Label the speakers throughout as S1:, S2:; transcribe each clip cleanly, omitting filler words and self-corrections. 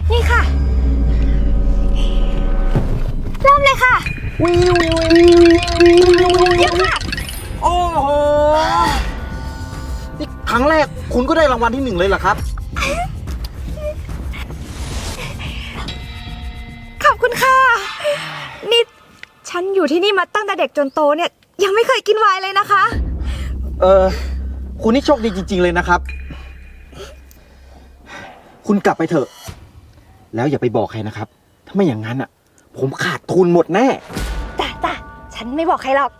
S1: นี่ค่ะเริ่มเลยค่ะเยี่ยมค่ะ
S2: โอ้โหนี่ครั้งแรกคุณก็ได้รางวัลที่1เลยเหรอครับ
S1: ขอบคุณค่ะนี่ฉันอยู่ที่นี่มาตั้งแต่เด็กจนโตเนี่ยยังไม่เคยกินไวน์เลยนะคะ
S2: คุณนี่โชคดีจริงๆเลยนะครับคุณกลับไปเถอะแล้วอย่าไปบอกใครนะครับถ้าไม่อย่างนั้นอ่ะผมขาดทุนหมดแน่
S1: จ้ะฉันไม่บอกใครหรอก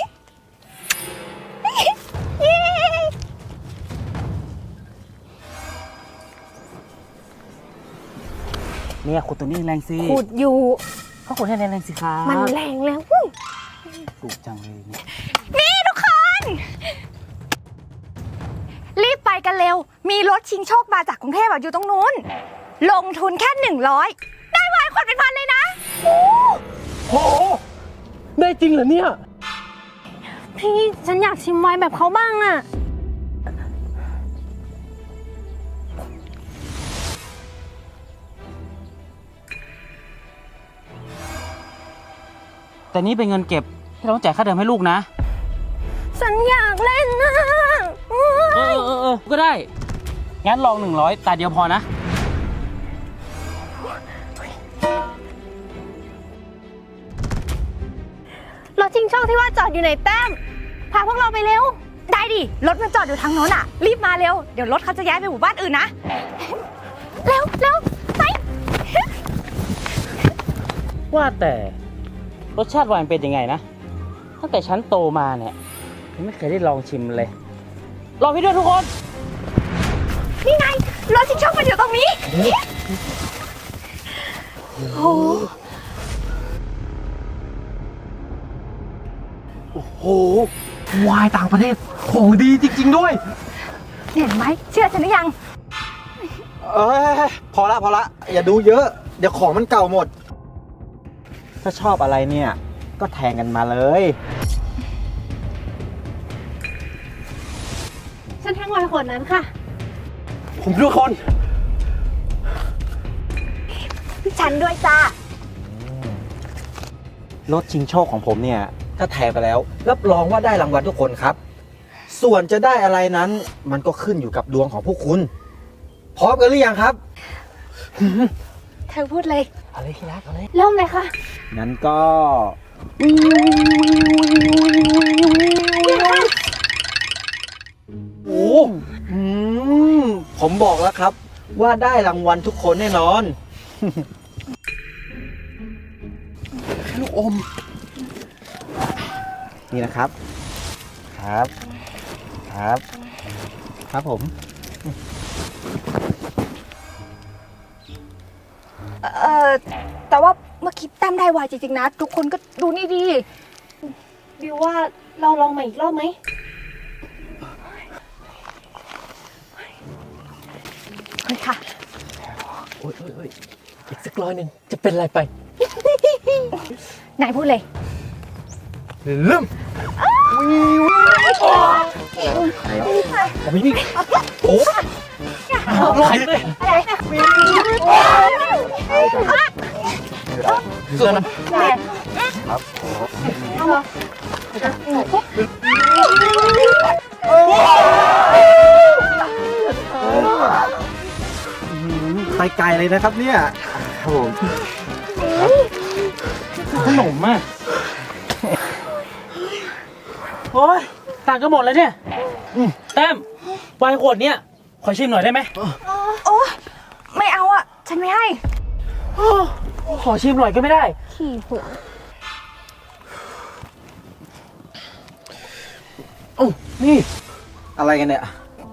S3: เนี่ยขุดตัวนี้แรงสิ
S1: ขุดอยู่
S3: ก็ขุดให้แรงสิครับ
S1: มันแรงแล้ว
S3: ถูกจังเลยเนี่ย
S1: นี่ทุกคนรีบไปกันเร็วมีรถชิงโชคมาจากกรุงเทพอยู่ตรงนู้นลงทุนแค่100ได้ไวน์ขวดเป็นพันเลยนะ
S4: โอ้โหได้จริงเหรอเนี่ย
S1: พี่ฉันอยากชิมไวน์แบบเขาบ้างน่ะ
S3: แต่นี่เป็นเงินเก็บที่เราต้องจ่ายค่าเทอมให้ลูกนะ
S1: ฉันอยากเล่นนะ
S3: ก็ได้งั้นลอง100ตาเดียวพอนะ
S1: รถชิงโชคที่ว่าจอดอยู่ไหนแต้มพาพวกเราไปเร็วได้ดิรถมันจอดอยู่ทางโน้นอ่ะรีบมาเร็วเดี๋ยวรถเขาจะย้ายไปหมู่บ้านอื่นนะเร็วไป
S3: ว่าแต่รสชาติไวน์เป็นยังไงนะตั้งแต่ฉันโตมาเนี่ยยังไม่เคยได้ลองชิมเลยลองพี่ด้วยทุกคน
S1: นี่ไงรถชิงโชคมันอยู่ตรงนี้
S4: โอ้โหวายต่างประเทศของดีจริงๆด้วย
S1: เห็นไหมเชื่อฉันหรือยัง
S2: พอละอย่าดูเยอะเดี๋ยวของมันเก่าหมดถ้าชอบอะไรเนี่ยก็แทงกันมาเลย
S1: ฉันแทงไวน์ขวดนั้นค่ะ
S4: ผมทุกคน
S1: ฉันด้วยจ้
S2: ารถชิงโชคของผมเนี่ยถ้าแทงไปแล้วรับรองว่าได้รางวัลทุกคนครับส่วนจะได้อะไรนั้นมันก็ขึ้นอยู่กับดวงของพวกคุณพร้อมกันหรือยังครับ
S1: เธอพูดเลย
S4: เอาเลยที่รักเอาเลย
S1: เริ่มเลยค่ะ
S2: งั้นก็โอ้ผมบอกแล้วครับว่าได้รางวัลทุกคนแน่นอน
S4: ลูกอม
S2: นี่นะครับครับผม
S1: แต่ว่าเมื่อกี้แต้มได้ไวจริงๆนะทุกคนก็ดูนี่ดีบิวว่าเราลองใหม่อีกรอบไหมเฮ้ยค่ะ
S4: โอ้ยอีกสัก100จะเป็นอะไรไป
S1: นายพูดเลย
S4: เริ่มวิ่งโอ้ใครเลยเกินนะครับ
S2: ไปไกลเลยนะครับเนี่ยครับผม
S3: ขนมมากโอ้ยต่างกันหมดเลยเนี่ยแต้มไวน์ขวดเนี้ยขอชิมหน่อยได้ไหม
S1: โอ้ไม่เอาอ่ะฉันไม่ให้
S3: ขอชิมหน่อยก็ไม่ได้
S1: ขี้หัว
S4: โอ้นี่
S2: อะไรกันเนี่ย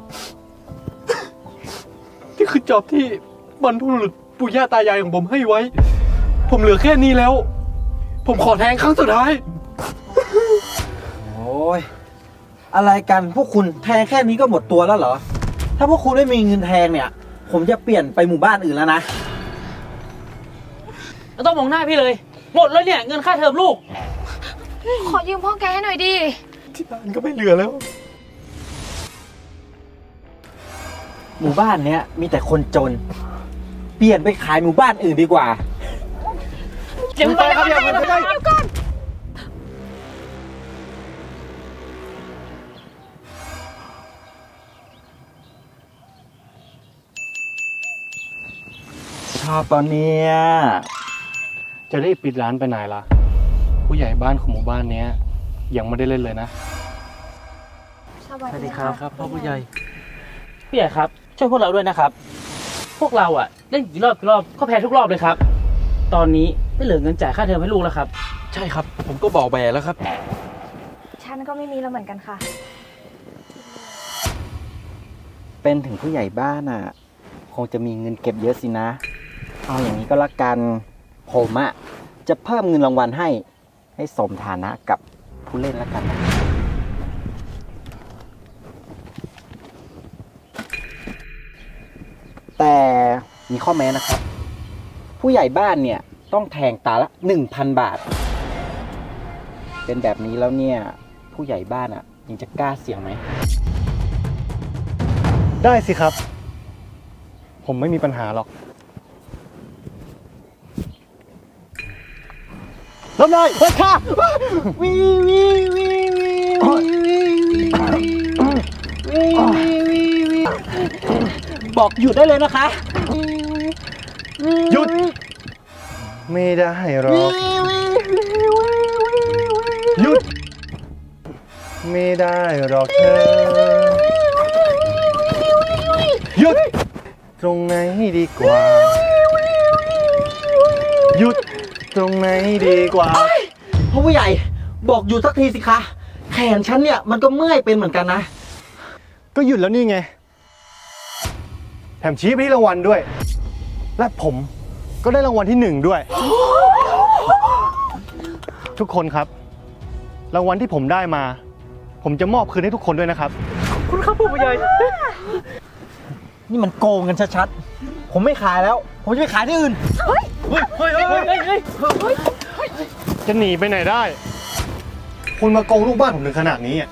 S4: นี่คือจอบที่บรรพบุรุษปู่ย่าตายายของผมให้ไว้ผมเหลือแค่นี้แล้วผมขอแทงครั้งสุดท้าย
S2: โอ้ยอะไรกันพวกคุณแทงแค่นี้ก็หมดตัวแล้วเหรอถ้าพวกคุณไม่มีเงินแทงเนี่ยผมจะเปลี่ยนไปหมู่บ้านอื่นแล้วนะ
S3: ไม่ต้องมองหน้าพี่เลยหมดเลยเนี่ยเงินค่าเทอมลูก
S1: ขอยืมพ่อแกให้หน่อยดิ
S4: ที่บ้านก็ไม่เหลือแล้ว
S2: หมู่บ้านเนี้ยมีแต่คนจนปลี่ยนไปขายหมู่บ้านอื่นดีกว่า
S3: เดี๋ยวไปครับเดี๋ยวไป
S1: เดี๋ยวก่อน
S2: ชอบตอนเนี้ย
S4: จะได้ปิดร้านไปไหนล่ะ ผู้ใหญ่บ้านของหมู่บ้านเนี้ยยังไม่ได้เล่นเลยนะ
S1: สวัสดีครับ
S4: ครับพ่อผู้ใหญ่
S3: พี่ใหญ่ครับ ช่วยพวกเราด้วยนะครับ พวกเราอ่ะเล่นกี่รอบก็แพ้ทุกรอบเลยครับ ตอนนี้ไม่เหลือเงินจ่ายค่าเทอมให้ลูกแล้วครับ
S4: ใช่ครับ ผมก็บอกไปแล้วครับ
S1: ฉันก็ไม่มีแล้วเหมือนกันค่ะ
S2: เป็นถึงผู้ใหญ่บ้านอ่ะ คงจะมีเงินเก็บเยอะสินะ เอาอย่างนี้ก็แล้วกัน ผมอ่ะจะเพิ่มเงินรางวัลให้สมฐานะกับผู้เล่นแล้วกันนะแต่มีข้อแม้นะครับ ผู้ใหญ่บ้านเนี่ยต้องแทงตาละ 1,000 บาท เป็นแบบนี้แล้วเนี่ย ผู้ใหญ่บ้านอ่ะยังจะกล้าเสี่ยงไหม
S4: ได้สิครับ ผมไม่มีปัญหาหรอกรับได้เฮ้ยค่ะ
S2: บอกหยุดได้เลยนะคะ
S4: หยุด ไม่ได้หรอกหยุด ไม่ได้หรอกเธอหยุด ตรงไหนดีกว่า หยุด ตรงไหนดีกว่า
S2: พ่อผู้ใหญ่บอกหยุดสักทีสิคะ แขนฉันเนี่ยมันก็เมื่อยเป็นเหมือนกันนะ
S4: ก็หยุดแล้วนี่ไง แถมชี้ไปที่รางวัลด้วย และผมก็ได้รางวัลที่ 1 ด้วย ทุกคนครับ รางวัลที่ผมได้มา ผมจะมอบคืนให้ทุกคนด้วยนะครับ
S3: คุณครับผู้ใหญ่
S2: นี่มันโกงกันชัดๆ ผมไม่ขายแล้ว ผมจะไปขายที่อื่น
S4: จะหนีไปไหนได้ คุณมาโกงลูกบ้านผมถึงขนาดนี้อ่ะ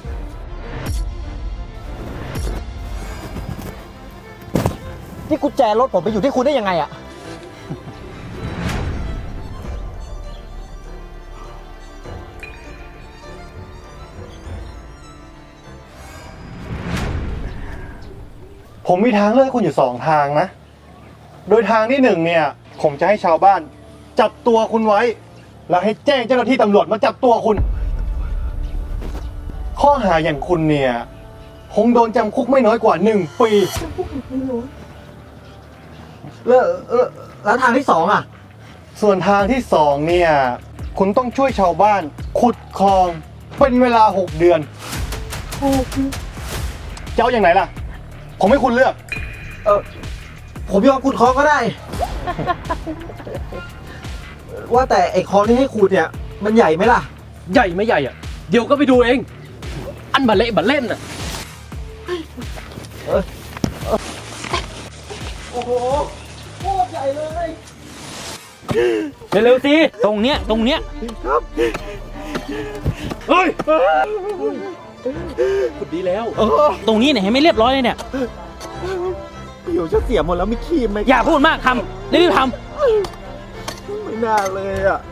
S2: นี่กุญแจรถผมไปอยู่ที่คุณได้ยังไงอะ
S4: ผมมีทางเลือกให้คุณอยู่2 ทางนะ โดยทางที่ 1เนี่ย ผมจะให้ชาวบ้าน จับตัวคุณไว้ แล้วให้แจ้งเจ้าหน้าที่ตำรวจมาจับตัวคุณ ข้อหาอย่างคุณเนี่ยคงโดนจำคุกไม่น้อยกว่า1 ปี
S2: แล้วทางที่ 2อะ
S4: ส่วนทางที่ 2เนี่ย คุณต้องช่วยชาวบ้าน ขุดคลอง เป็นเวลา6 เดือนจะเอาอย่างไหนล่ะ ผมให้คุณเลือก
S2: ผมยอมขุดคลองก็ได้ ว่าแต่ไอ้คลองที่ให้ขุดเนี่ย มันใหญ่ไหมล่ะ
S5: ใหญ่ไม่ใหญ่อ่ะ เดี๋ยวก็ไปดูเอง อันบัลเละบัลเล่นอ่ะ
S2: โอ้โหโคตรใหญ่เลย
S3: เร็วๆสิตรงเนี้ย
S2: ครับ
S5: เฮ้ยขุดดีแล้ว
S3: ตรงนี้เนี่ยให้ไม่เรียบร้อยเลยเนี่ย
S2: ผิวจะเสียหมดแล้วไม่คีมไหม
S3: อย่าพูดมากทำรีบๆท
S2: ไม่น่าเลยอะ